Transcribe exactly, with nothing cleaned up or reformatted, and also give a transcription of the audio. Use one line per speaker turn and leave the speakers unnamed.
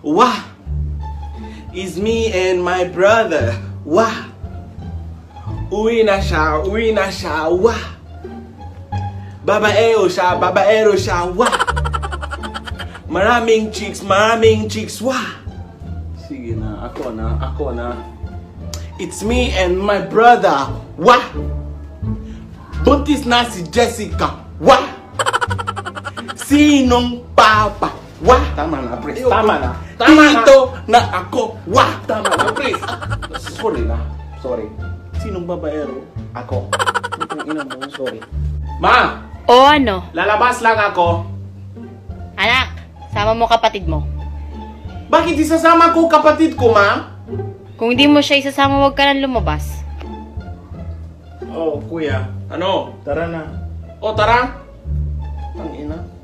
Wah! It's me and my brother. Wah! Uwi na siya, uwi na siya. Wah! Babaero siya, babaero siya. Wah! Maraming chicks, maraming chicks. Wah!
Sige na, ako na, ako na.
It's me and my brother. Wah! Buntis na si Jessica. Wah! Sinong papa? Wah!
Tama na, Pres.
Ayoko.
Tama na. Tama na.
Dito na ako. Wah!
Tama na, Pres. Sorry na. Sorry.
Sinong babaero?
Ako. Itong ina mo, sorry. Ma!
O ano?
Lalabas lang ako.
Anak, sama mo kapatid mo.
Bakit isasama ko kapatid ko, ma?
Kung hindi mo siya isasama, huwag ka nang lumabas.
Oh, kuya. Ano?
Tara na.
O, tara. Ang ina.